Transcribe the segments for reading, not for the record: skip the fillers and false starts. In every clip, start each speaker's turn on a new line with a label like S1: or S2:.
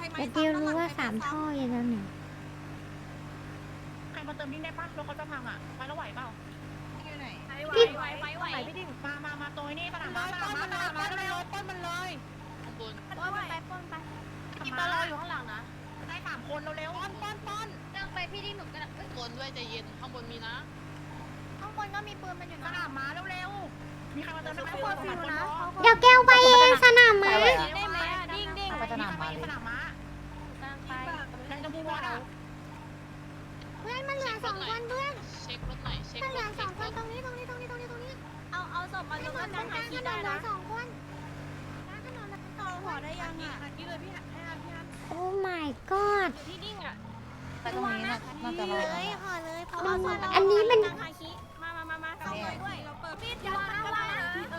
S1: แต่เดียวรู้ว่า3 ท่ออย่างนั้นเนี่ย
S2: ใครมาเติมดิ้งได้ปะรถเขาจะพังอ่ะไปแล้วไหวเปล่า
S3: อยู่ไหน
S2: ไหวพี่ดิ้งมาตัวนี้สนามม้าเร็วป้นมันเลย
S4: ข้างบน
S3: ป้นไปป้นไป
S2: มีปลารออยู่ข้างหลังนะได้3 คนเร็วป้น
S3: เดินไปพี่ดิ้งหนูกัน
S4: ข้างบนด้วยใจเย็นข้างบนมีนะ
S3: ข้างบนก็มีปืนมันอยู่
S2: ส
S3: นะ
S2: นามม้าเร็วมีใครมาเติมได้ไหม
S3: เขาฟิวนะ
S1: เดี๋ยวแก้วไปเองสนามม้า
S3: ได้ไหมดิ้งดิ้ง
S2: ไปสนามม้าสนามม้า
S3: ไป
S2: แรงจะพูดว่าอ่ะ
S1: เพื่อนมันเหลือ2 คนเพื่อน
S4: เช็ครถหน่อยเช็ค
S1: มันเห
S4: ร
S1: ลือ
S4: ถ
S1: 2 คนตรงนี้
S3: เอาศพมาลงกันทางคีได้นะ
S1: 2 คน
S3: ต่อหัวได้ยังอ่ะ
S2: นี่เลยพี่ฮัน
S1: โอ้ my god
S3: ที่ดิ้งอ่ะ
S5: ไปตรงนี้น่าจะรอด
S3: เลยห่อเลยเพราะ
S1: อันนี้มัน
S3: ทางฮาคิมาเข้าไปด้วยเราเปิดมีดยัดวางนะ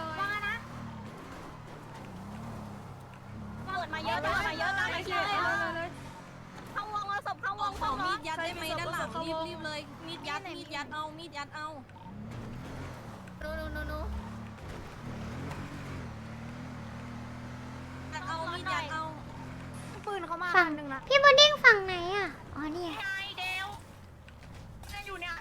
S3: เปิดมาเยอะตามมาเยอะตามมาเยอะเลยเข้าวงเอาศพเข้าวงเข้ามีดยัดได้ไหมด้านหลังรีบเลยมีดยัดเอามีดยัดเอานูเอามีดยัดเอาปืนเขามา
S1: ฝั่งพี่บูดดิ้งฝั่งไหนอ่ะ อ๋อเนี่ย
S2: ไงเดวอยู่เนี่ย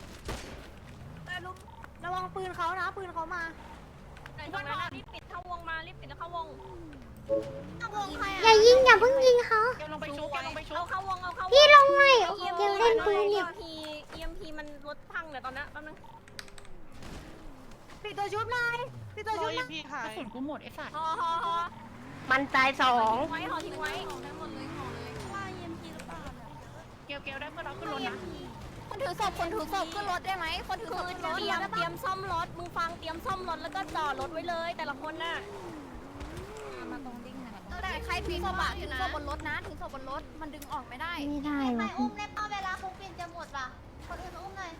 S3: ระวังปืนเขานะปืนเขามารีบปิดเข้าวงมารีบปิดแล้วเข้าวงเข้าวงใคร
S1: อย่ายิงอย่าเพิ่งยิงเขา
S2: เกลลงไปชุบ
S3: เอาเข้าวงเอาเข้าวง
S1: พี่ลงหน่อยเดี๋ยวเล่นปืนอยู่
S3: EMP มันรถพังเดี๋ยวตอนนี้แป๊บนึงปิดตัวชุบหน่อยปิดตัวชุบหน่อย
S2: กระสุนกูหมดไอ้สัตว์
S3: ห่อ
S5: มันตาย2
S3: ไว้ห่อทิ้งไว้ได้หมดเลยห่อเลยว่า EMP หรือเปล่า
S2: เกลได้เพื่อนเราขึ้นรถนะ
S3: คนถือศพขึ้นรถได้ไหมคนถือศพขึ้นรถเตรียมซ่อมรถมึงฟังเตรียมซ่อมรถแล้วก็จอดรถไว้เลยแต่ละคนน่ะ
S5: มาตรงดิ้งนะ
S3: แต่ใครถือศพถือศพบนรถนะถือศพบนรถมันดึงออกไม่ได้
S1: ไม่ได้
S6: ไป
S1: วะ
S6: อุ้มได้ป่ะเวลาคุกปินจะหมดป่ะ คนอื่นอุ้มหน่อย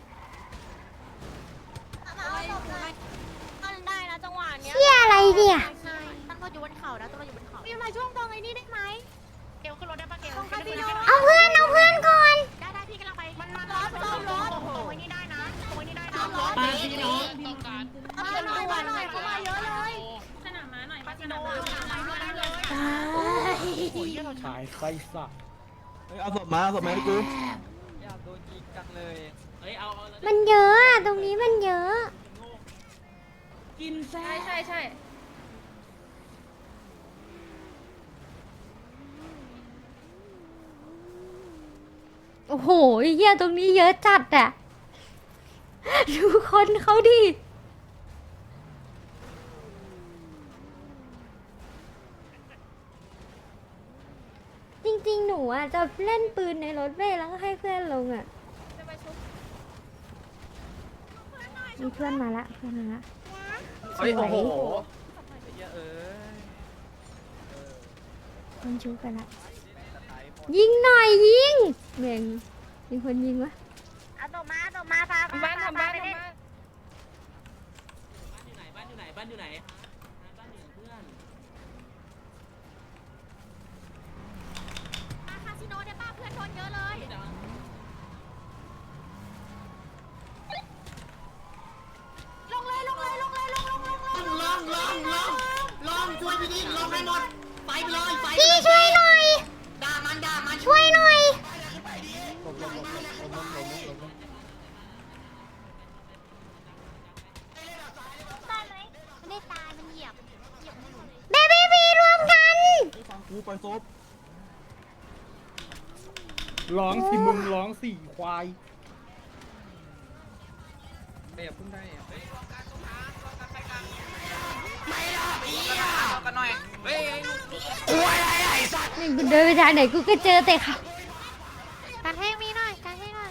S6: มาเอาศพหน่อย
S3: มันได้นะจังหวะเนี้ย
S1: เชี่ยอะไรเนี่ย
S3: ตั้งก็อยู่บนเขานะตั้งก็อยู่บนเขาพี่มาช่วงตรงไอ้นี่ได้ไหม
S2: เกลขึ้นรถได้ปะเกล
S1: เอาเพื่อนก่อน
S2: ได้พี่กำลังไปมันซ่อมรถตรงนี้ได้นะตรงนี้ได้นะ
S4: ไปพี่น้องต้องการ
S3: เอาเพื่อนมาหน่อยเข้ามาเยอะเลย
S2: สนามม้าหน่อยสนามม้าได้เลย
S1: ตาย
S7: ขายไส้สัตว์
S8: เอาศพมาให้กู
S7: อยากโดนยิงจังเลย
S4: เฮ้ยเอา
S1: มันเยอะอะตรงนี้มันเยอะ
S7: กินแซ่
S3: ใช่
S1: โอ้โหเหี้ยตรงนี้เยอะจัดอะดูคนเขาดิ จริงๆ หนูอ่ะจะเล่นปืนในรถเว้ยแล้วก็ให้เพื่อนลงอ่ะ มีเพื่อนมาละส
S7: เฮ้ย
S1: ว
S7: โอ้
S1: ย
S7: โหเยอะ
S1: คนชูกันละ ยิงหน่อยยิงเม่งมีคนยิงวะ
S6: เอาศพมาพาไปเล่น
S4: บ้านอยู่ไหนบ้านอยู่ไหนเพื่อน
S3: คาสิโนได้ป่ะเพื่อนชนเยอะเลย ลงช่วยพี่ดิ้งลงให้หมดไปเลยไป
S1: พี่ช่วยหน่อย
S3: ด่ามัน
S1: ช่วยหน่อย
S6: ได้ไหมไม่ได้ตายมันเหยียบ
S1: เบบี้บีรวมกัน
S8: ฟังกูปล่อยศพ
S7: ร้องสิมึงร้องสี่ควายเดี๋ยวพึ่งได้อะ
S1: นี่กูเดินไปทางไหนกูก็เจอแต่ค่ะ
S6: การแห้งมีหน่อยการแห้งหน่อย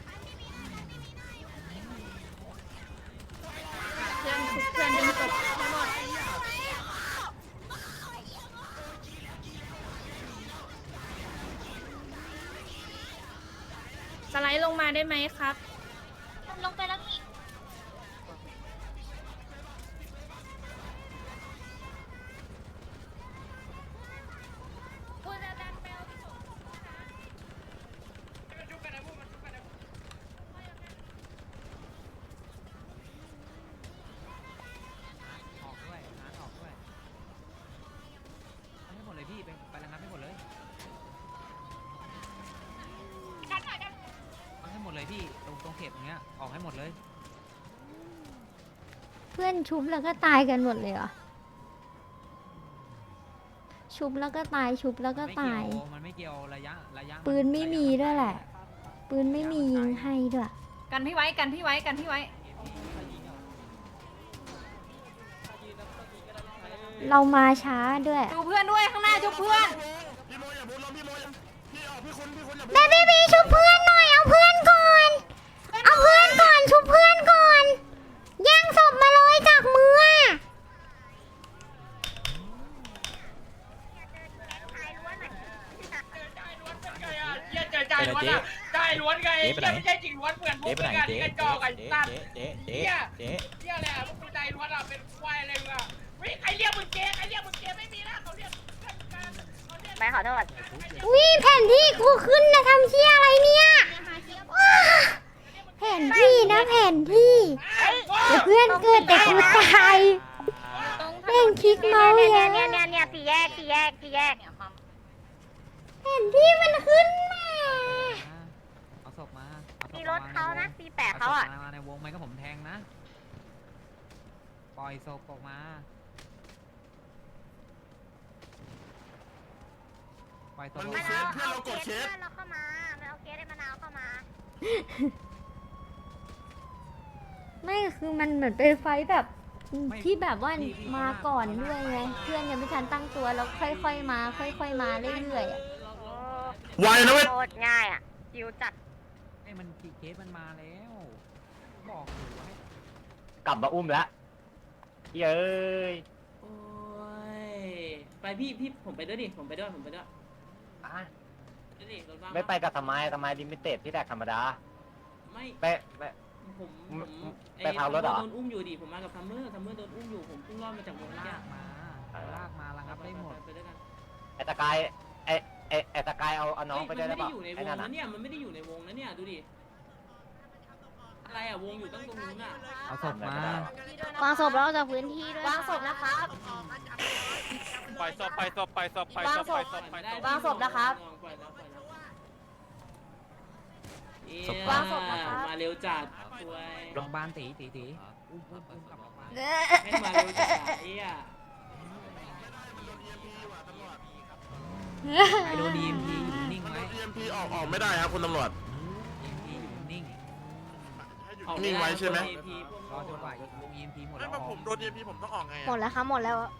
S3: เพื่อนดึงศพทั้งหมดสไลด์ลงมาได้ไหมครับ
S6: ลงไปแล้วอีก
S7: ออกด้วยหาออกด้วยให้หมดเลยพี่ไประงับให้หมดเลย
S9: เลยพี่ตรงเขตตรงเนี้ยออกให้หมดเลย
S1: เพื่อนชุบแล้วก็ตายกันหมดเลยเหรอ ชุบแล้วก็ตายชุบแล้วก็ตาย
S9: มันไม่เกี่ยวระยะ
S1: ปืนไม่มีด้วยแหละ ปืนไม่มียิงให้ด้วย
S3: กันพี่ไว้กันพี่ไว้กันพี่ไว้
S1: เรามาช้าด้วย
S3: ดูเพื่อนด้วยข้างหน้าจุบเพื่อน
S1: เบบี้บีชุบเพื่อนหน่อยเอาเพื่อนก่อน เอาเพื่อนก่อนชุบเพื่อนก่อน แย่งศพมาเลยจากมืออะ
S2: จ่ายล้วนจ่ายล้วนไงไม่ใช่จริงล้วนเหมือนพวกมึงอะที่กระจอกไอ้สัตว์เหี้ยแหละพวกมึงใจล้วนอะเป็นควายอะไรมึงอะใครเรียกมึงเจ๊ไม่มีนะเขาเรียก
S6: ไม่ขอโทษ
S1: วิแผนที่กูขึ้นนะทำเชี่ยอะไรเนี่ยว้าแผนที่นะแผนที่เดี๋ยวเพื่อนเกิดแต่กูตายแม่งคลิกเมาส์
S6: เนี่ย
S1: เยอะ
S6: เนี่ยสี่แยก
S1: แผนที่มันขึ้นมา
S9: เอาศพมา
S6: มีรถเขานะปีแปะเขาอ่ะ
S9: มาในวงไหมก็ผมแทงนะปล่อยศพออกมาปล่อยศพออก
S6: มัน
S9: มา
S6: เอาเคสเพื่อนเราเข้ามา มันเอาเคสไอ้มะนาวเข้ามา
S1: ไม่คือมันเหมือนเป็นไฟท์แบบที่แบบว่ามาก่อนด้วยไงเพื่อนยังไม่ทันตั้งตัวแล้วค่อยๆมาค่อยๆมาเรื่อยๆอะ
S8: ไวนะเว้ย
S6: โคตรง่ายอ่ะจิวจัด
S9: ไอ้มันกี่เคสมันมาแล้วบอกอยู่ว่าให้
S10: กลับมาอุ้มแล้วเย้ย
S4: โอ้ยไปพี่ผมไปด้วยดิผมไปด้วย
S10: อ่ะ
S4: ไปดิรถว่าง
S10: ไม่ไปกับทำไมลิมิเต็ดที่แดกธรรมดา
S4: ไม่
S10: ไป
S4: ผม
S10: ไปพาวรถเหรอ
S4: โดนอุ้มอยู่ดิผมมากับทัมเมอร์โดนอุ้มอยู่ผมเพิ่งรอดมาจากวง
S9: ลา
S4: เนี้ย
S9: กมาลากมาระงับได้หมด
S4: ไปด้วยกัน
S10: ไอตะกายไอตะกายเอาน้องไปด้วยได้
S4: มัน
S10: ปะ
S4: ไม่ได้อยู่ในว
S10: ไอ้
S4: ง
S10: นั่น
S4: นะ
S10: อ่ะ
S4: เนี่ยมันไม่ได้อยู่ในวงนะเนี่ยดูดิอะไรอ่ะวงอยู่ตั้งตรงนู้นอ่ะ
S9: เอาศพมา
S1: วางศพแล้วจากพื้นที่ด้วย
S6: วางศพนะครับ
S2: ปล่อยศพ
S6: วางศพ วางศพนะครับ
S4: ปล่อยแล้ว
S6: วางศพนะครับ
S4: มาเร็วจัดสวย
S9: โรงพยาบาลตีอุ้มกลับโรงพยาบาล
S4: ให้มาเร็วจัดไอ้อ่ะ
S9: ใครโดน EMP อยู่นิ่งไหม
S8: EMP ออกไม่ได้ครับคุณตำรวจ
S9: EMP อยู่นิ่ง
S8: นิ่งไว้ใช่ไหม
S9: รอจนกว่าลง EMP หมด
S8: ไม่
S9: แล้ว
S8: ผมโดน EMP ผมต้องออกไง
S1: หมดแล้วครับหมดแล้วอะ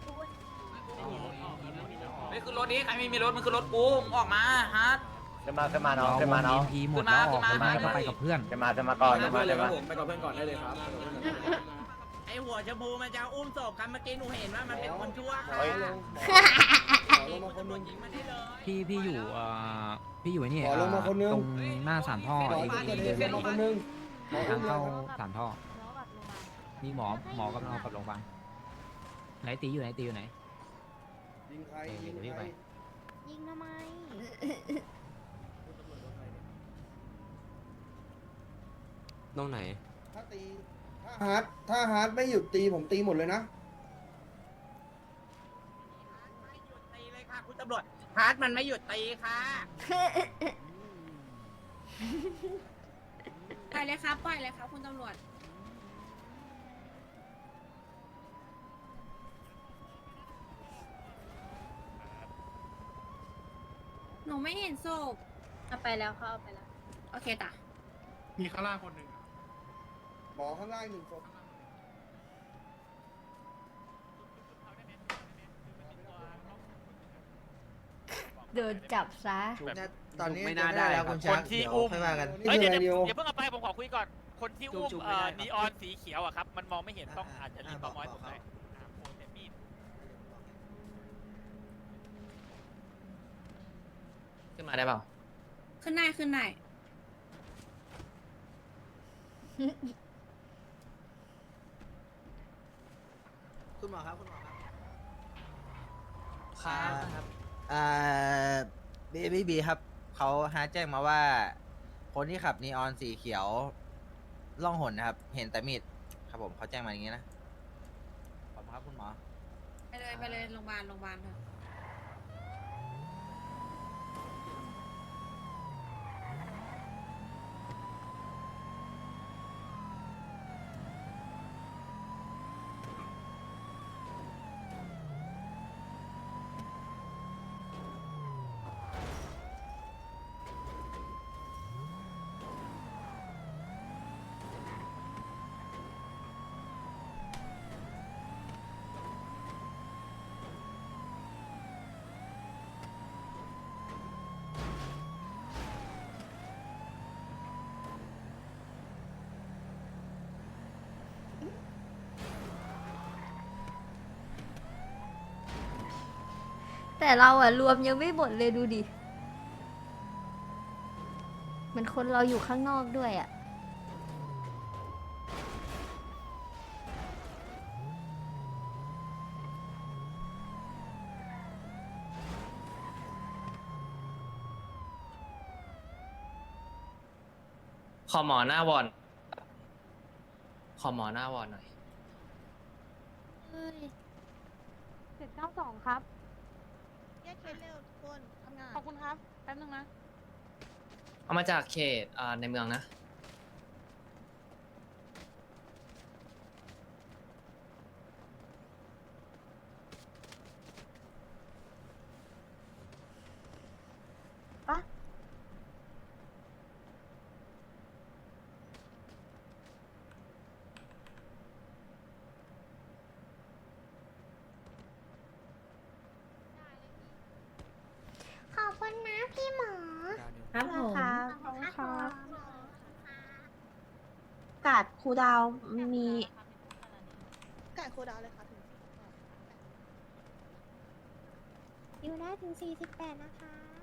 S4: นี่คือรถนี้ใครไม่มีรถมันคือรถกูมึงออกมาฮะ
S10: ขึ้นมาน้อง
S9: EMP หมดแล้วออก
S4: ขึ้นมา
S9: ก็ไปกับเพื่อน
S10: ขึ้นมาก่อนขึ้นมา
S7: ไปกับเพื่อนก่อนได้เลยครับ
S2: ไอหัวชมพูมันจะอุ้มศพกันเมื่อกี้หนูเห็นว่ามันเป็นคนชั่ว
S10: เฮ้ย
S9: พี่อยู่พี่อยู่ไอ้นี่
S7: ขอลงมาคนนึง
S9: ตรงหน้าสามท่อเอง
S7: มาคนนึง
S9: ทางเข้าสามท่อมีหมอกำลังเอากลับโรงพยาบาลไหนตีอยู่ไหน
S7: ยิงใคร
S9: เดี๋ยวพี่ไป
S1: ยิงทำไม
S10: ตรงไหน
S7: ถ้าฮาร์ดไม่หยุดตีผมตีหมดเลยนะ
S2: ตีเลยค่ะคุณตำรวจฮาร์ดมันไม่หยุดตีค่ะ
S3: ปล่อยเลยครับปล่อยเลยครับคุณตำรวจหนูไม่เห็นศพเอาไปแล้วเขาเอาไปแล้วโอเคจ้ะ
S8: มีข้างล่างคนหนึ่ง
S7: หมอข้างล่างหนึ่งศพ
S1: โดนจับซะ
S7: ตอนนี้ไม่น่าได้แล้วคุณช้าง
S2: คนที่อุ้ม
S7: ค่อยว่ากัน
S2: เฮ้ย
S7: นี่
S2: เดี๋ยว
S7: คืออะไรนิว
S2: อย่าเพิ่งเอาไปผมขอคุยก่อน คนที่อุ้มนีออนสีเขียวอะครับ มันมองไม่เห็นต้องอาจจะรีบประมอยผมหน่อยโอ้แต่มีด
S4: ขึ้นมาได้เปล่า
S3: ขึ้นได้ขึ้นได้
S7: คุณหมอครับคุณหมอครับ
S4: ครับ
S10: บีครับเขาหาแจ้งมาว่า คนที่ขับนีออนสีเขียวล่องหนนะครับ เห็นแต่มีดครับผมเขาแจ้งมาอย่างนี้นะขอบคุณครับคุณหมอ
S3: ไปเลยโรงพยาบาลเถอะ
S1: แต่เราอะรวมยังไม่หมดเลยดูดิเหมันคนเราอยู่ข้างนอกด้วยอะ
S4: ขอหมอหน้าวอนขอหมอหน้าวอนหน่อย
S5: 792 ครับแยกเคสเร็วทุกคนทำงานขอบคุณครับ แป๊บนึงนะ
S4: เอามาจากเขตในเมืองนะ
S1: ขอบคุณนะพี่หมอ
S3: ครับผม
S1: ขอบคุณค่ะ
S3: กาดครูดาวมี
S5: กาดโคดาวเลยค่ะถึง
S1: อยู่ได้ถึง48นะคะ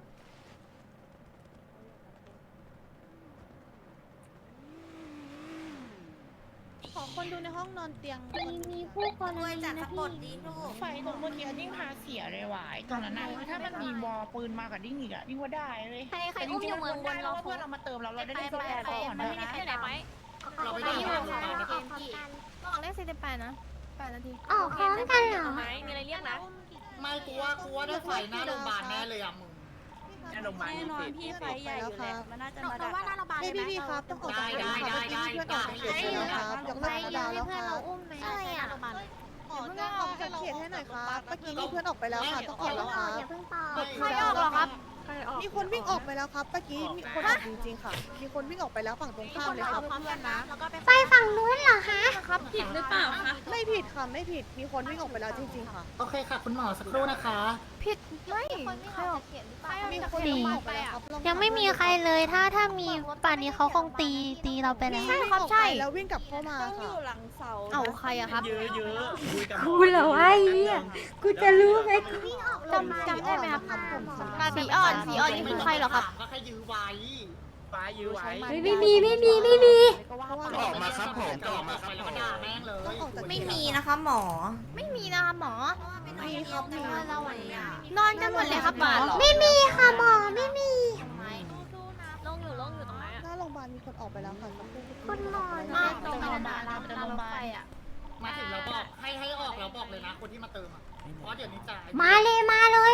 S5: ขอคนดูในห้องนอนเตียง
S1: มีผู้กรณีนะพี่
S5: ไฟตรงเมื่อกี้ดิ้งพาเสียเลยว่ะตรงนั้นน่ะถ้ามันมีวอลปืนมากับดิ้งอีกอะดิ้งว่าได้เลย
S3: ใครอุ้มอยู่เมืองบน
S5: เราเพื่อนเรามาเติมเราได้เล่นแฟร์ก่อนนะ
S3: อยู่ไหนไหม
S5: เราไปได้ยิน
S3: ลองเล่น48นะ8 นาที
S1: ออกพร้อมกันเหรอ
S3: มีอะไรเรียกนะ
S7: ไม่กูว่าได้ไฟหน้าโรงพยาบาลแน่เลยอะมึง
S4: แน่โรงพยาบาล
S3: แน่นอนพี่ไฟใหญ่อยู่แล้วมันน่าจะมาดัก
S5: ว่าหน้าเราบานเลยพี่ครับต้องออกจากเพื่อนออกจากเขตแล้วครับยกเลิกโคดาวแล้วครับ
S1: อะไรอ่ะ
S5: ขอเพื่อนออกจากเขตให้หน่อยครับเมื่อกี้มีเพื่อนออกไปแล้วค่ะต้องออกแล้วครับ
S1: อย่าเพิ่งตอบ
S5: ใครออกเหรอครับมีคนวิ่งออกไปแล้วครับเมื่อกี้มีคนออกจริงๆค่ะมีคนวิ่งออกไปแล้วฝั่งตรงข้ามเลยครับ
S3: พร้อมกันนะแล้วก็ไป
S1: ไปฝั่งนู้นเหรอคะ
S3: ครับผิดหรือเปล่าคะ
S5: ไม่ผิดค่ะไม่ผิดมีคนวิ่งออกไปแล้วจริงๆค่ะ
S7: โอเคค่ะ คุณหมอสักครู่นะคะ
S3: ผิดไม่ใครออกเขียนหรือเปล่า
S5: มีคนวิ่งออกไปแล้วครับ
S1: ยังไม่มีใครเลยถ้ามีป่านนี้เขาคงตีเราไปแล้ว
S5: ใช่ครับใช่แล้ววิ่งกลับเข้ามา
S3: ต้องอ
S5: ค่ะ
S3: ยู่หลังเสาเอาใครอะครับ
S1: กูเหรอวะไอ้เหี้ยกูจะรู้ไหมกู
S3: จำได้ไหมครับ
S5: ผม
S3: สีอ่อนนี่คือใครเหรอครับ
S7: ก็แค่ยื้อไว้
S4: ฟ้ายื้อไว้
S1: ไม่มี
S8: ออกมาครับผมออกมาครับ
S7: แล้ว
S8: ผ
S7: ก็
S8: ม
S7: ด่าแม่งเลย
S3: ไม่มีนะคะหมอ ไม่มีนะคะหมอ
S5: มีครับมี
S3: นอนกันหมดเลยครับหมอ
S1: ไม่มีค่ะหมอไม่มี
S3: ลงอยู่ตรงไหนอะ
S5: หน้าโรงพยาบาลมีคนออกไปแล้วค่ะ
S1: คุณหมอ
S3: มาตรงนั้นนะเราจะลงไปอะ
S7: มาถึงเราบอกให้ออกเราบอกเลยนะคนที่มาเติมอ่ะเพราะเดี๋ยวนี้จ่าย
S1: มาเลยให้คนแล้ว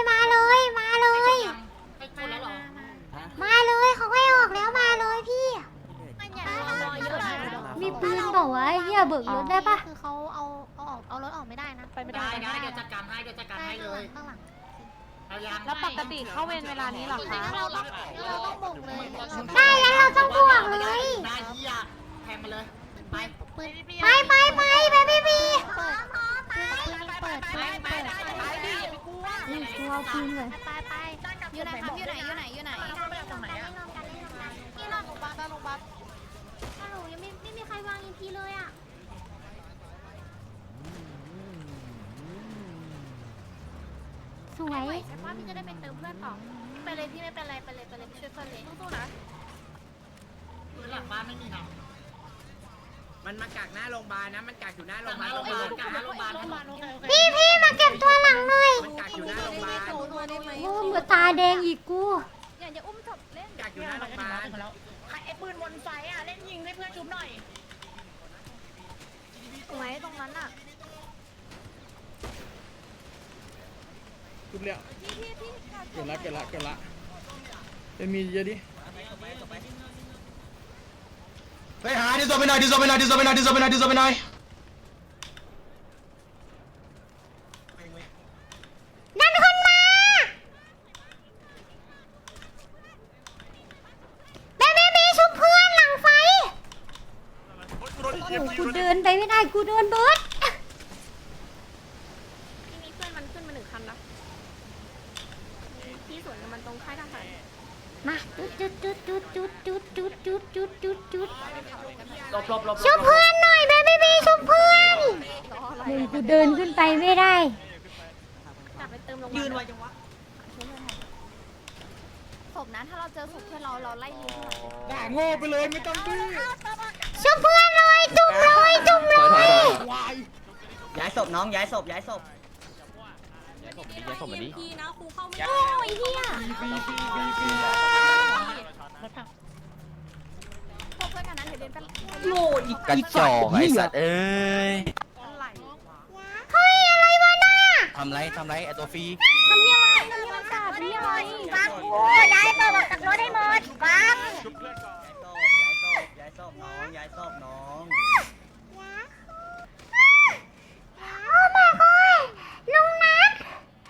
S1: เหรอมาเลยเขาให้ออกแล้วมาเลยพี่ มีปืนบอกว่าเฮียเบิกรถได้ปะคือเขาเอารถออกไม่ได้นะไปไม่ได้
S7: ได้เดี๋ยวจัดการให้เลย
S1: ข้างหลัง
S7: เอายัง
S5: แล้วปกติเข้าเวรเวลานี้หรอคะ
S1: เราต้องบุกเลยได้แล้วเราต้องบวกเลย
S7: หน้าเหี้ยแทงมาเลยไป
S1: ไปพี่บีเปิดกูเอาปืนเลย
S3: ไปอยู่ไหนครับอยู่ไหน
S5: ที่หน้าโรงพยาบาล
S1: ฮัลโหลยังไม่มีใครวางอีพีเลยอ่ะสวย
S3: ใช่ป่ะพี่จะได้ไปเติมเพื่อนต่อไปเลยพี่ไม่เป็นไรไปเลยช่วยเพื่อนเลยสู้ๆนะ
S7: พื้นหลังบ้านไม่มีหนาว
S4: มันมากักหน้าโรงพยาบาลนะ มันกักอยู่หน้าโรงพยาบาล
S7: โรงพยาบาลกลางโรงพยาบาล
S1: พี่มาเก็บตัวหลังหน่อย
S4: มันกักอยู่หน้าโรงพยาบาล
S1: โอ้มือตาแดงอีกกู
S3: อย่าอุ้มจบเล่น
S4: กักอยู่หน้าโรงพยาบาล
S5: ไอ้ปืนบนไฟอ่ะเล่นยิงให้เพื่อนชุบหน่อย
S3: ไว้ตรงนั้นอ่ะ
S8: จุดเลี้ยวเกิดละเป็นมีเยอะดิ
S7: ไปหาดิโซไปหน่อย
S1: นั่นขึ้นมาเบชุบเพื่อนหลังไฟโอ้โหกูเดินไปไม่ได้กูโดนเบิร์ด
S3: ที่มีเพื่อนมันขึ้นมา1 คันนะที่สวนกับมันตรงค่ายทหาร
S1: มาจุด
S4: หลบ
S1: ชุบเพื่อนหน่อยเบบีชุบเพื่อนมึงกูเดินขึ้นไปไม่ได้
S3: กลับไปเติมโรงพยา
S4: ยืน
S3: บา
S4: ไว้
S3: ล
S4: จังวะ
S3: ศพนะถ้าเราเจอศพเพื่อนเราไล่ยิง
S8: ด่าโง่ไปเลยไม่ต้องดื้อ
S1: ช่วยเพื่อนเลยจุ่มเลยจุ่มเลย
S8: วาย
S7: ย้ายศพน้องย้ายศพย้ายศพ
S3: พี่นะครูเข้าไม่
S1: โอ้ยเฮีย
S3: พวกเพื่อนกันนั้นเดี๋ยวเดินกัน
S10: โง่อีกกระจอกไอ้สัตว์เอ้ย
S1: เฮ้ยอะไรวะน่ะ
S10: ทำไรไอ้ตัวฟรี
S3: ทำยังไงทำยังไงจัดนี่อะไร
S6: ฟังกูย้ายตัวออกจากรถให้หมดฟัง
S7: ย้ายศพน้องย้ายศพน้อง
S1: โอ้ my god ลุงนัท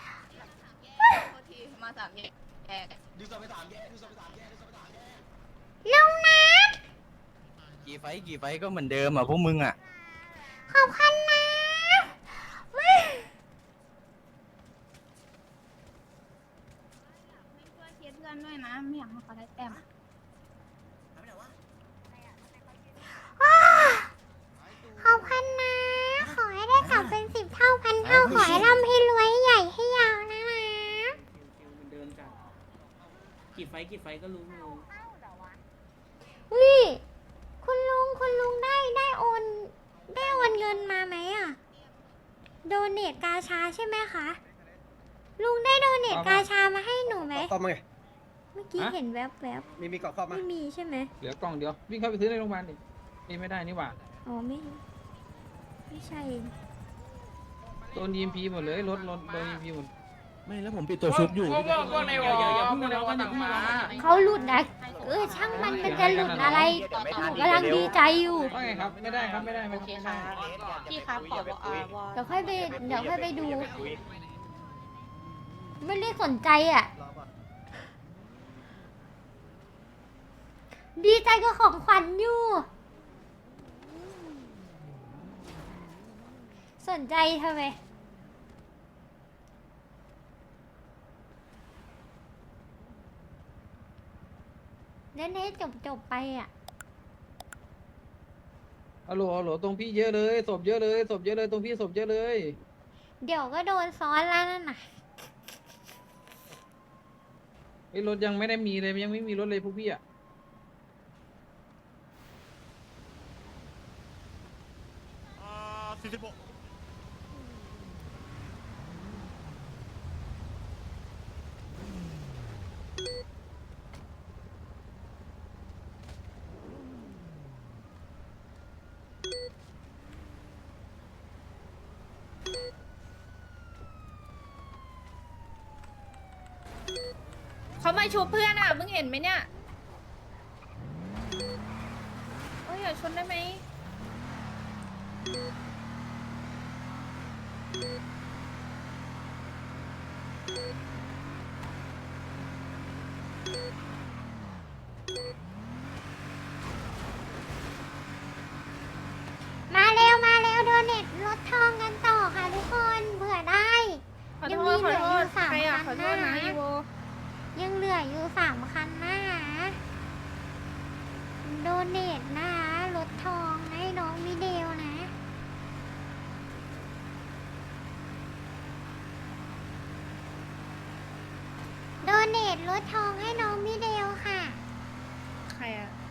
S3: มาสามแยก
S10: ดูสไปถามแย่ดูสไปถามแย่
S1: ลุงนัท
S10: กี่ไฟก็เหมือนเดิมอ่ะพวกมึงอ่ะ
S1: ขอบคุณนะ
S3: ช่วยเคสเพื่อนด้วยนะไม่อยากให้เขาได้แต้ม
S1: ว้าขอบคุณนะ ขอให้ได้กลับเป็น10 เท่าพันเท่า ขอให้ร่ำให้รวยให้ใหญ่ให้ยาวนะนะ
S4: มันเดินกันกี่ไฟก็รู้อยู่
S1: วิคุณลุงได้โอนเงินมาไหมอ่ะ โดเนทกาชาใช่ไหมคะ ลุงได้โดเนทกาชามาให้หนูไหม
S7: เข้ามาไง
S1: เมื่อกี้เห็นแวบ
S7: มีเกาะเข้า
S1: ๆ
S7: มา
S1: ไม่มีใช่ไหม
S9: เหลือกล่องเดียว วิ่งเข้าไปซื้อในโรงพยาบาลดินี่ไม่ได้นี่หว่า
S1: อ๋อไม่ใช่
S9: โดน EMP หมดเลยรถโดน EMP หมด
S10: ไม่แล้วผมปิดตัวชุบอยู่
S2: พวกในวอพวกในวอต่างมา
S1: เขาหลุดนะช่างมันจะหลุดอะไรหนูกำลังดีใจอยู่
S9: ว่าไงครับ ไม่ได้ครับ ไม่ได้ไม่ได้
S3: พี่ครับขอวอ
S1: เดี๋ยวค่อยไปดู ไม่ได้สนใจอ่ะ ดีใจกับของขวัญอยู่ สนใจทำไมเล่นให้จบไปอ่ะ
S9: ฮัลโหลตรงพี่เยอะเลยศพเยอะเลยตรงพี่ศพเยอะเลย
S1: เดี๋ยวก็โดนซ้อนแล้วนั่นน่ะ
S9: ไอ้รถยังไม่ได้มีเลยยังไม่มีรถเลยพวกพี่อ่ะ
S3: เขามาชูเพื่อนอ่ะมึงเห็นไหมเนี่ยโอ้ยอย่าชนได้ไหม
S1: มาเร็วโดเน็ตรถทองกันต่อค่ะทุกคนเผื่อได้ ยังมีเหลืออยู่3 คันนะยังเหลืออยู่3 คันนะโดเนทนะรถทองให้น้องมิเดลนะโดเนทรถทองให้น้องมิเดลค่ะ
S3: ใครอ่ะ